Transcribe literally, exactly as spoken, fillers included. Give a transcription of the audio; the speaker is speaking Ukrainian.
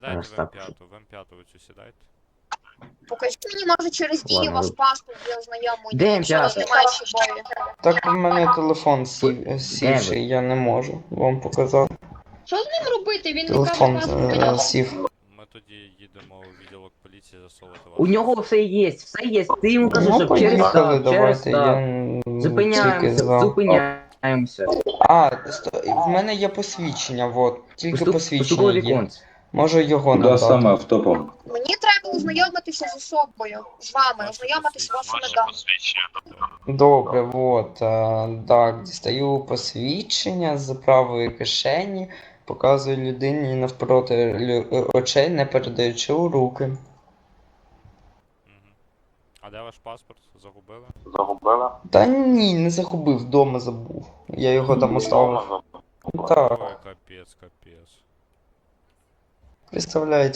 Дайте Аж в так. М п'ять, в М п'ять ви цю сідайте. Покажіть мені, може, через дію Ладно, ваш ви- паспорт для ознайомлення, Де якщо у вас п'ятий? немає з собою. Так у мене телефон сів, сівший, я не можу вам показати. Що з ним робити? Він не Телефон каже е, паспорт. сів. Ми тоді їдемо у відділок поліції засовувати вас. У нього все є, все є. Ти йому кажи, Ну, щоб через поїхали, так, через давайте, так. я м, тільки Зупиняємося, за. зупиняємося. А, сто- в мене є посвідчення, вот. Тільки Поступ- посвідчення Поступове є. віконце. Можу його Куда надати. саме автопом? Мені треба ознайомитися з особою, з вами, ознайомитися з вашими даними. Добре, вот. А, так, дістаю посвідчення з правої кишені, показую людині навпроти лю- очей, не передаючи у руки. Мгм. А де ваш паспорт? Загубили? Та ні, не загубив, вдома забув. Я його там оставив. Так, Ой, капець, капець. представляєте.